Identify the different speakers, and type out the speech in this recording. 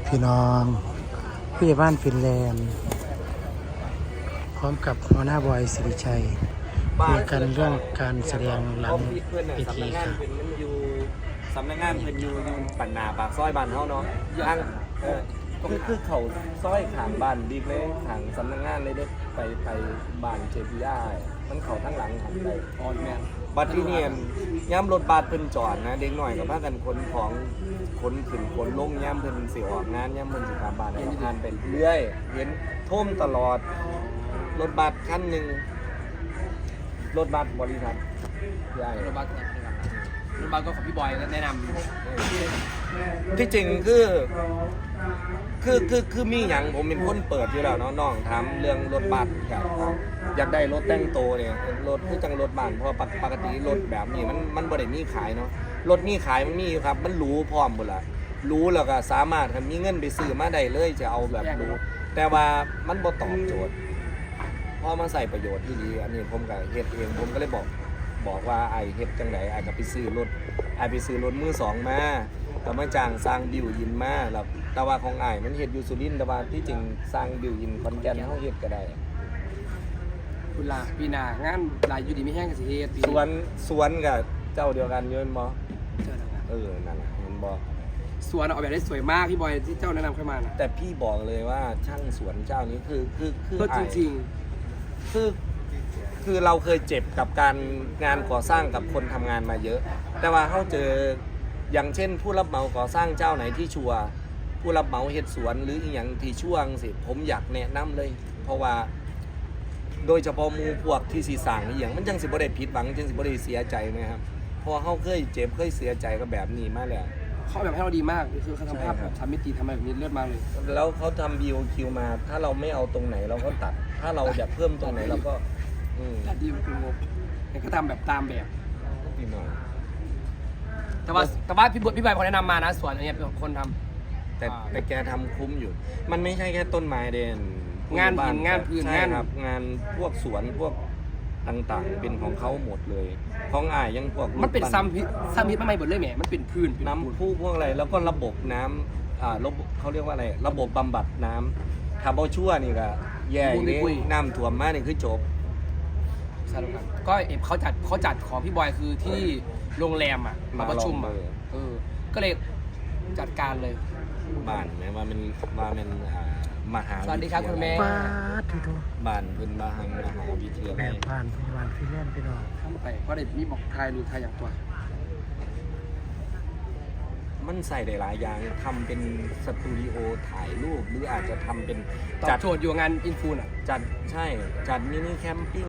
Speaker 1: พี่น้องผู้ใหญ่บ้านฟินแลนด์พร้อมกับหัวหน้าบอยสิริชัยคุยกันเรื่องการแสดงหลังเวทีค่ะ
Speaker 2: สำนักงานเพิ่นอยู่ปันนาปากซอยบ้านเฮาเนาะทางคือเขาซอยขางบ้านดีเลยขางสำนักงานเลยเด้ไปบ้านเจพีไอมันเข้าทางหลังหันไปออนแม่นบัดที่นี่ย่ำรถบัสเพิ่นจอดนะเด็กหน่อยก็พากันขนของขนขึ้นขนลงย่ำเพิ่นสิออกงานย่ำเพิ่นสิกลับบ้านแล้วผ่านไปเรื่อยเห็นท่วมตลอดรถบัสคันนึงรถบัสบริษัทใหญ่รถบัสก็ของพี่บอยแนะนำที่จริงคือมีอย่างผมเป็นคนเปิดอยู่แล้วน้องทำเรื่องรถบัสครับอยากได้รถแต่งโตเนี่ยรถคือจังรถบ้านเพราะปกติรถแบบนี้มันบ่ได้มีขายเนาะรถมีขายมันมีครับมันรู้พร้อมหมดละรู้แล้วก็สามารถมีเงินไปซื้อมาได้เลยจะเอาแบบรู้แต่ว่ามันบ่ตอบโจทย์พอมาใส่ประโยชน์ที่ดีอันนี้ผมก็เฮ็ดเองผมก็เลยบอกว่าไอเฮ็ดจังไดไอก็ไปซื้อรถมือสองมาก็มาจ้างสร้างบิวยินมาแล้วแต่ว่าของไอมันเฮ็ดอยู่สุรินทร์แต่ว่าที่จริงสร้างบิวยินขอนแก่นเฮาเฮ็ดก็ได้
Speaker 3: คุณลาปีหน้างานลายอยู่ดีไม่แห้งกับสิเฮ็ด
Speaker 2: สวนกับเจ้าเดียวกันอยู่แม่นบ่นั่นแหละเห็นบ่
Speaker 3: สวนออกแบบได้สวยมากพี่บอยที่เจ้าแนะนำเข้ามานะ
Speaker 2: แต่พี่บอกเลยว่าช่างสวนเจ้านี้คือ
Speaker 3: จริง
Speaker 2: คือเราเคยเจ็บกับการงานก่อสร้างกับคนทำงานมาเยอะแต่ว่าเขาเจออย่างเช่นผู้รับเหมาก่อสร้างเจ้าไหนที่ชัวผู้รับเหมาเฮ็ดสวนหรืออีกอย่างที่ช่วงสิผมอยากแนะนำเลยเพราะว่าโดยเฉพาะมูพวกที่สีสั่งอีกอย่างมันจังสิบ่ได้ผิดหวังจังสิบ่ได้เสียใจไหมครับเพราะเขาเคยเจ็บเคยเสียใจกับแบบนี้มาแล้ว
Speaker 3: เขาแบบให้เราดีมากคือเขาทำภาพแบบทำมิติทำอะไรแบบนี้เลือดมากเลย
Speaker 2: แล้วเขาทำ BOQ มาถ้าเราไม่เอาตรงไหนเราก็ตัดถ้าเราอยากเพิ่มตรงไหนเราก็
Speaker 3: ตัดดีมันเป็นงบแต่ก็ทำแบบตามแบบ
Speaker 2: พี่น้อง
Speaker 3: แต่ว่าพี่บอยคนแนะนำมานะสวนอันนี้เป็นคนทำ
Speaker 2: แต่แกทำคุ้มอยู่ มันไม่ใช่แค่ต้นไม้เด่น
Speaker 3: งานหินงานพื้น
Speaker 2: งานครับงานพวกสวนพวกต่างๆเป็นของเขาหมดเลยของอ้ายยังพวก
Speaker 3: มันเป็นซ้ำฮิตมาใหม่หมดเลยแหมมันเป็นพื้น
Speaker 2: น้ำพุพวกอะไรแล้วก็ระบบน้ำระบบเขาเรียกว่าอะไรระบบบำบัดน้ำถ้าบ่ชั่วนี่ก็แย่เลยน้ำท่วมมานี่คือจบ
Speaker 3: ก็เขาจัดของพี่บอยคือที่โรงแรมอ่ะมาประชุมอ่ะก็เลยจัดการเลย
Speaker 2: บ้านแม้ว่ามันมหา
Speaker 3: สวัสดีครับคุณแม่
Speaker 2: บ้านเป็นมหาวิทยาลัย
Speaker 1: บ้านพยาบาลฟินแลนด์ไปนอน
Speaker 3: ทำไปเพราะเด็กมีบอกไทยหรือไทยอย่างตัว
Speaker 2: มันใส่ได้หลายอย่างทำเป็นสตูดิโอถ่ายรูปหรืออาจจะทำเป็น
Speaker 3: จัดโชว์อยู่งานอินฟูน่ะ
Speaker 2: จัดมินิแคมปิ้ง